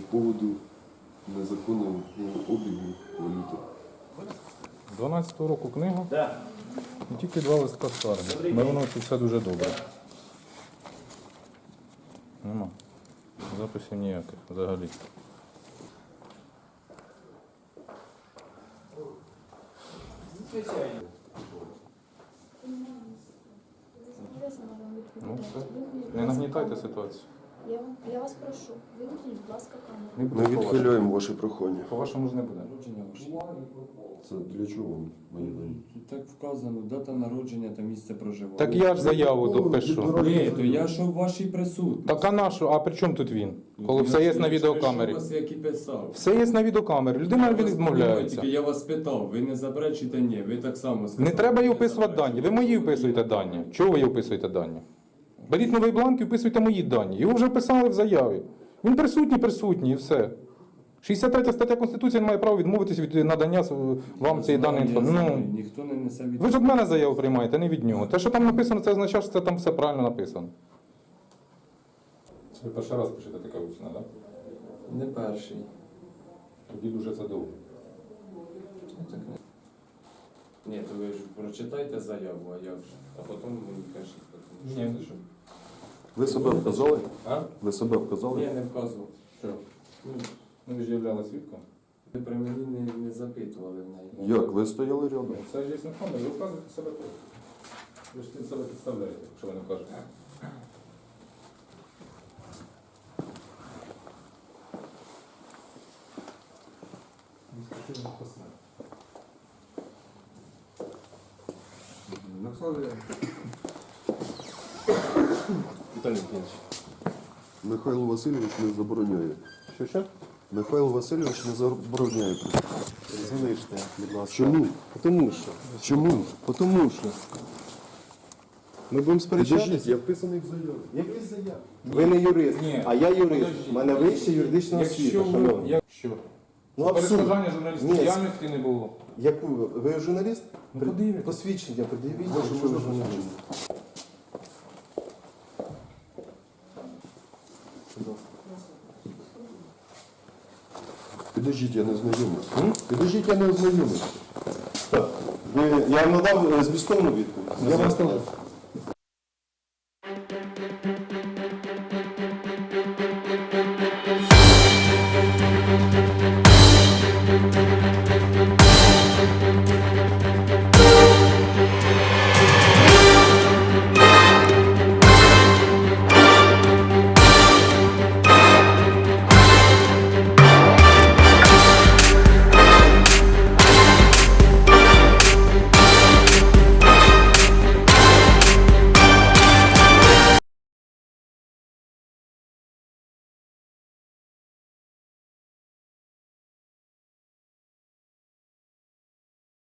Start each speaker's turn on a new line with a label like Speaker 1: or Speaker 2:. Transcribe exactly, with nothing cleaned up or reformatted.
Speaker 1: поводу незаконного обігу валюти.
Speaker 2: дванадцятого року книга.
Speaker 3: Да.
Speaker 2: І тільки два листка скарги. Ми воно тут все дуже добре. Нема. Записів ніяких взагалі. Ну все. Не нагнітайте ситуацію.
Speaker 4: Я, вам- я вас прошу, вимкніть, будь ласка, камеру.
Speaker 2: Не
Speaker 1: Ми
Speaker 2: буде по-вашому.
Speaker 1: відхиляємо ваше прохання.
Speaker 2: По-вашому ж не буде.
Speaker 5: Народження ваше.
Speaker 1: Це для чого вам мої дані?
Speaker 5: Так вказано, дата народження та місце проживання.
Speaker 2: Так я ж заяву допишу.
Speaker 5: Ні, то я що в вашій присутності.
Speaker 2: Так а на що? А при чому тут він? Коли все є на відеокамері.
Speaker 5: Я вас як і писав.
Speaker 2: Все є на відеокамері. Людина
Speaker 5: Я вас
Speaker 2: відмовляється.
Speaker 5: Тільки я вас питав, ви не заперечуєте, ні, ви так само сказали.
Speaker 2: Не треба її
Speaker 5: ви
Speaker 2: вписувати дані. Ви
Speaker 5: заперечуєте.
Speaker 2: мої вписуєте дані. Чого ви її вписуєте дані? Беріть новий бланк і вписуйте мої дані. Його вже вписали в заяві. Він присутній, присутній і все. шістдесят третя стаття Конституції не має права відмовитись від надання вам цієї даної
Speaker 5: Я знаю,
Speaker 2: інформації. Ну,
Speaker 5: ніхто не несе від...
Speaker 2: ви ж від мене заяву приймаєте, не від нього. Те, що там написано, це означає, що це там все правильно написано. Це ви перший раз пишете таке усне, так?
Speaker 5: Не перший.
Speaker 2: Тоді дуже це довго.
Speaker 5: Ну, так не. Ні, то ви ж прочитайте заяву, а як же? А потім мені кажіть. тому що
Speaker 2: Ні,
Speaker 5: це
Speaker 2: що?
Speaker 1: Ви себе вказали?
Speaker 2: А?
Speaker 1: Ви себе вказали?
Speaker 5: Ні, не вказував.
Speaker 2: Що?
Speaker 5: Ну,
Speaker 2: Ну, ви ж являли свідком.
Speaker 5: ви при мені не, не запитували в неї.
Speaker 1: Як? Ви стояли рядом?
Speaker 2: Це ж є інформація, ви вказуєте себе тут. Ви ж себе підставляєте, якщо ви не кажете.
Speaker 1: Віталій Євгенович. Михайло Васильович не забороняє.
Speaker 2: Що, що?
Speaker 1: Михайло Васильович не забороняє.
Speaker 6: Залиште, будь ласка.
Speaker 1: Чому?
Speaker 6: Тому що.
Speaker 1: Чому?
Speaker 6: Тому що. Ми будемо
Speaker 1: Підождіть,
Speaker 6: сперечатися.
Speaker 1: я вписаний в заяві.
Speaker 6: Які заяви? Ви не юрист,
Speaker 2: Ні.
Speaker 6: а я юрист.
Speaker 2: Подождіть.
Speaker 6: У мене вища юридична освіта,
Speaker 2: Якщо ви...
Speaker 6: шановні.
Speaker 2: Як... Що?
Speaker 6: Ну, абсурд.
Speaker 2: Перешкоджання журналістської
Speaker 6: Ні.
Speaker 2: діяльності не було.
Speaker 6: Яку ви? Ви журналіст?
Speaker 2: Ну, подивіться.
Speaker 6: Посвідчення подивіть,
Speaker 1: Може,
Speaker 6: що ви
Speaker 1: можна
Speaker 6: журналіст.
Speaker 1: Підождіть, я не знайомий. Підождіть, я не ознайомився.
Speaker 6: Ви, я вам надав е, змістовну відповідь.
Speaker 1: Я вас теж.